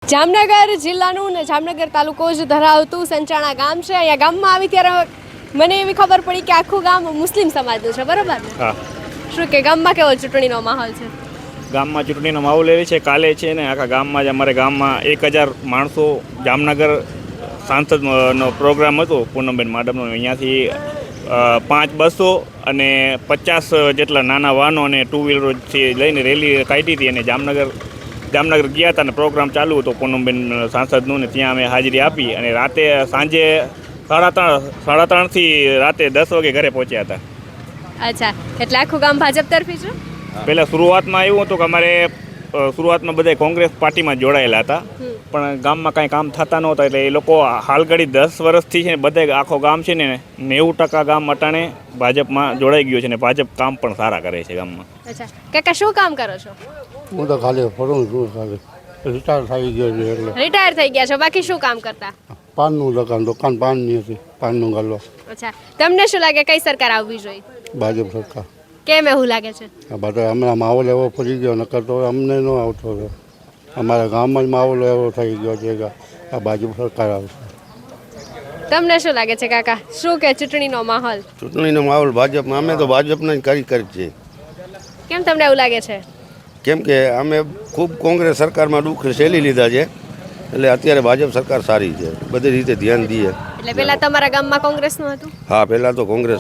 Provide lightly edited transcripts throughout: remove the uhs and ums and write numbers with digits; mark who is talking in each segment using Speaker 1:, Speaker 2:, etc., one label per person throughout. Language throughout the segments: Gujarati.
Speaker 1: જામનગર જિલ્લાનું ને જામનગર તાલુકો જ ધરાવતું સંચાણા ગામ છે. અહીંયા ગામમાં આવી ત્યારે મને એવી ખબર પડી કે આખું ગામ મુસ્લિમ સમાજનું છે, બરોબર ને?
Speaker 2: હા.
Speaker 1: શું કે ગામમાં કેવો ચૂંટણીનો માહોલ છે?
Speaker 2: ગામમાં ચૂંટણીનો માહોલ એવી છે, કાલે છે ને આખા ગામમાં જ અમારે ગામમાં 1000 માણસો જામનગર સાંસદનો પ્રોગ્રામ હતો પૂનમબેન માડમનો. અહીંયાથી 5 બસો અને 50 જેટલા નાના વાહનો અને 2 વ્હીલરોથી લઈને રેલી કાઢી હતી અને જામનગર ગયા હતા અને પ્રોગ્રામ ચાલુ હતો પૂનમબેન સાંસદનું ને ત્યાં અમે હાજરી આપી અને રાતે સાંજે 3:30 થી રાતે 10 વાગે ઘરે પહોંચ્યા હતા.
Speaker 1: અચ્છા, એટલે આખું ગામ ભાજપ તરફી છે?
Speaker 2: પહેલાં શરૂઆતમાં એવું હતું કે અમારે શરૂઆતમાં બધા કોંગ્રેસ પાર્ટીમાં જોડાયેલા હતા, પણ ગામમાં કાંઈ કામ થતા નહોતા એટલે એ લોકો હાલ ઘડી 10 વર્ષથી છે ને બધા આખો ગામ છે ને 90% ગામ અટાણે ભાજપમાં જોડાઈ ગયું છે ને ભાજપ કામ પણ સારા કરે છે ગામમાં.
Speaker 1: અચ્છા કાકા, શું કામ કરો છો?
Speaker 3: હું તો ખાલી ફરું છું, ખાલી રિટાયર થઈ ગયો છે એટલે.
Speaker 1: રિટાયર થઈ ગયા છો, બાકી શું કામ કરતા?
Speaker 3: પાનનું દુકાન પાનની હતી, પાનનું ગાલો.
Speaker 1: અચ્છા, તમને શું લાગે કઈ સરકાર આવવી જોઈએ?
Speaker 3: ભાજપ સરકાર.
Speaker 1: કેમ એવું લાગે છે?
Speaker 3: આ બધા હમણાં માહોલ એવો પડી ગયો, નકર તો અમને ન આવતો હતો. અમારા ગામમાં જ માહોલ એવો થઈ ગયો છે કે આ ભાજપ સરકાર આવશે.
Speaker 1: તમને શું લાગે છે કાકા, શું કે ચૂંટણીનો માહોલ?
Speaker 4: ચૂંટણીનો માહોલ ભાજપમાં, અમે તો ભાજપના જ કાર્યકર છીએ.
Speaker 1: કેમ તમને એવું લાગે છે?
Speaker 4: કેમ કે અમે ખૂબ કોંગ્રેસ સરકારમાં દુઃખ સહેલી લીધા છે, એટલે અત્યારે ભાજપ સરકાર સારી છે, બધી રીતે ધ્યાન દઈએ.
Speaker 1: એટલે પેલા તમારા ગામમાં કોંગ્રેસનું હતું?
Speaker 4: હા, પહેલાં તો કોંગ્રેસ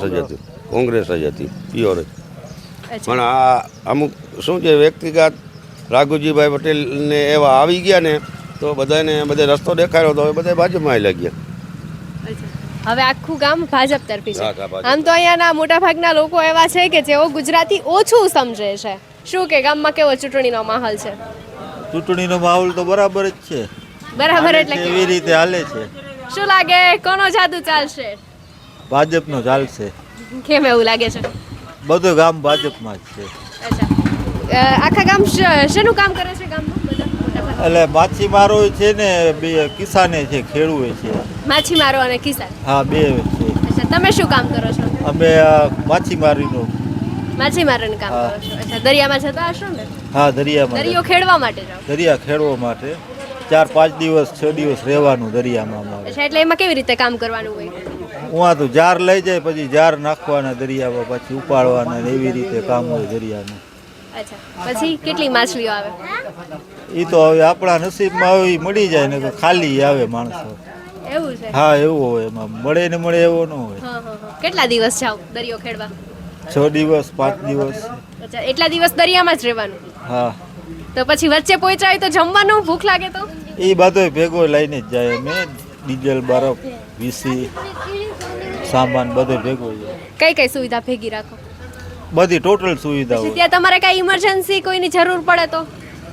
Speaker 4: જ હતી પ્યોર જ. પણ આ અમુક શું છે, વ્યક્તિગત રાઘુજીભાઈ પટેલને એવા આવી ગયા ને તો બધાને રસ્તો દેખાડ્યો તો હવે બધા ભાજપમાં આવી લાગ્યા.
Speaker 1: હવે આખું ગામ ભાજપ તરફી છે.
Speaker 4: હા, ભાજપ.
Speaker 1: આમ તો અહીંયાના મોટા ભાગના લોકો એવા છે કે જેઓ ગુજરાતી ઓછું સમજે છે. શું કે ગામમાં કેવો ચૂંટણીનો માહોલ છે?
Speaker 5: ચૂંટણીનો માહોલ તો બરાબર જ છે.
Speaker 1: બરાબર એટલે
Speaker 5: એવી રીતે હાલે છે.
Speaker 1: શું લાગે કોનો જાદુ ચાલશે?
Speaker 5: ભાજપનો ચાલશે.
Speaker 1: કેમ એવું લાગે છે?
Speaker 5: બધું ગામ ભાજપમાં જ છે.
Speaker 1: અચ્છા, આખા ગામ શેનું કામ કરે છે ગામમાં બધા મોટા ભાગ?
Speaker 5: એટલે માછીમારો છે ને, બે કિસાને છે, ખેડૂએ છે.
Speaker 1: માછીમારો અને કિસાન?
Speaker 5: હા, બે છે.
Speaker 1: અચ્છા, તમે શું કામ કરો છો?
Speaker 5: અમે માછીમારીનું.
Speaker 1: માછીમારોનું કામ કરો છો? અચ્છા, દરિયામાં જતા હશો ને?
Speaker 5: હા, દરિયામાં.
Speaker 1: દરિયો ખેડવા માટે જાઓ?
Speaker 5: દરિયા ખેડવા માટે 4-5 દિવસ 6 દિવસ રહેવાનું દરિયામાં અમારે.
Speaker 1: અચ્છા, એટલે એમાં કેવી રીતે કામ કરવાનું હોય?
Speaker 5: ઉहाँ તો જાર લઈ જાય, પછી જાર નાખવાના દરિયામાં, પછી ઉપાડવાના ને એવી રીતે કામ હોય દરિયાનું.
Speaker 1: અચ્છા, પછી કેટલી માછલીઓ આવે?
Speaker 5: એ તો હવે આપણા નસીબમાં આવે એ મળી જાય ને ખાલી આવે માણસો.
Speaker 1: એવું છે?
Speaker 5: હા, એવું હોય, એમાં મળે ને મળે એવો ન હોય.
Speaker 1: હા હા હા. કેટલા દિવસ જાવ દરિયો ખેડવા?
Speaker 5: 6 દિવસ 5 દિવસ.
Speaker 1: અચ્છા, એટલા દિવસ દરિયામાં જ રહેવાનું?
Speaker 5: હા,
Speaker 1: તો પછી વચ્ચે પહોંચાય તો જમવાનું ભૂખ લાગે તો?
Speaker 5: એ બધો ભેગો લઈને જ જાય અમે. ડીઝલ, બરફ, વીસી, સામાન બધો ભેગો જાય.
Speaker 1: કઈ કઈ સુવિધા ભેગી રાખો?
Speaker 5: બધી ટોટલ સુવિધા
Speaker 1: પછી
Speaker 5: હોય.
Speaker 1: ત્યાં તમારે કઈ ઇમરજન્સી કોઈની જરૂર પડે તો?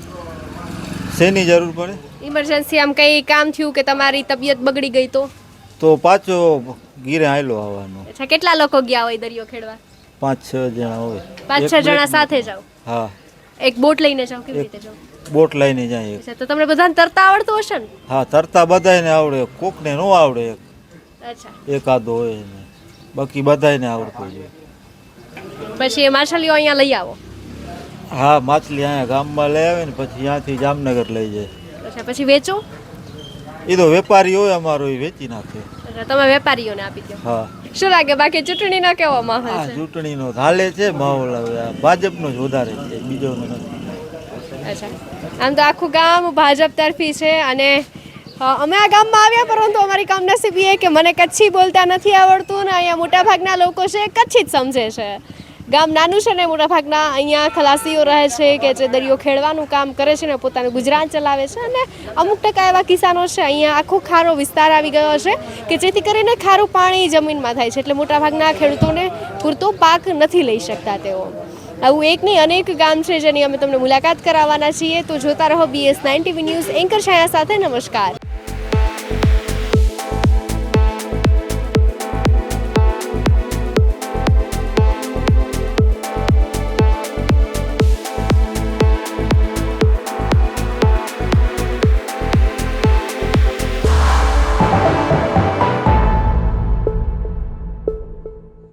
Speaker 5: શેની જરૂર પડે?
Speaker 1: ઇમરજન્સી આમ કઈ કામ થયું કે તમારી તબિયત બગડી ગઈ
Speaker 5: તો પાછો ગીરે આયલો આવવાનો.
Speaker 1: અચ્છા, કેટલા લોકો ગયા હોય દરિયો ખેડવા?
Speaker 5: 5-6 જણા હોય.
Speaker 1: 5-6 જણા સાથે જાવ?
Speaker 5: હા,
Speaker 1: એક બોટ લઈને જાવ? કેવી રીતે જાવ?
Speaker 5: બોટ લઈને જાય.
Speaker 1: અચ્છા, તો તમને બધાને તરતા આવડતું હશે ને?
Speaker 5: હા, તરતા બધાયને આવડે, કોકને ન આવડે,
Speaker 1: અચ્છા,
Speaker 5: એકાદો હોય ને, બાકી બધાયને આવડતું હોય.
Speaker 1: પછી એ માછલીઓ અહીંયા લઈ આવો?
Speaker 5: હા, માછલી અહીંયા ગામમાં લઈ આવે ને પછી ત્યાંથી જામનગર લઈ જાય.
Speaker 1: અચ્છા, પછી વેચો?
Speaker 5: એ તો વેપારી હોય અમારો, એ વેચી નાખે.
Speaker 1: અચ્છા, તમે વેપારીઓને આપી દો.
Speaker 5: હા.
Speaker 1: શું લાગે બાકી ચૂંટણીનો કેવો માહોલ
Speaker 5: હા,
Speaker 1: છે?
Speaker 5: ચૂંટણીનો હાલે છે માહોલ. હવે આ ભાજપનો જ વધારે છે, બીજોનો નથી.
Speaker 1: અચ્છા, આમ તો આખું ગામ ભાજપ તરફી છે અને અમે આ ગામમાં આવ્યા, પરંતુ અમારી કમનસીબી એ કે મને કચ્છી બોલતા નથી આવડતું ને અહીંયા મોટાભાગના લોકો છે કચ્છી જ સમજે છે. ગામ નાનું છે ને મોટાભાગના અહીંયા ખલાસીઓ રહે છે કે જે દરિયો ખેડવાનું કામ કરે છે ને પોતાનું ગુજરાન ચલાવે છે અને અમુક ટકા એવા કિસાનો છે. અહીંયા આખો ખારો વિસ્તાર આવી ગયો છે કે જેથી કરીને ખારું પાણી જમીનમાં થાય છે એટલે મોટાભાગના ખેડૂતોને પૂરતો પાક નથી લઈ શકતા તેઓ. આવું એક નહીં અનેક ગામ છે જેની અમે તમને મુલાકાત કરાવવાના છીએ. તો જોતા રહો BS9 TV ન્યૂઝ. એન્કર છાયા સાથે. નમસ્કાર.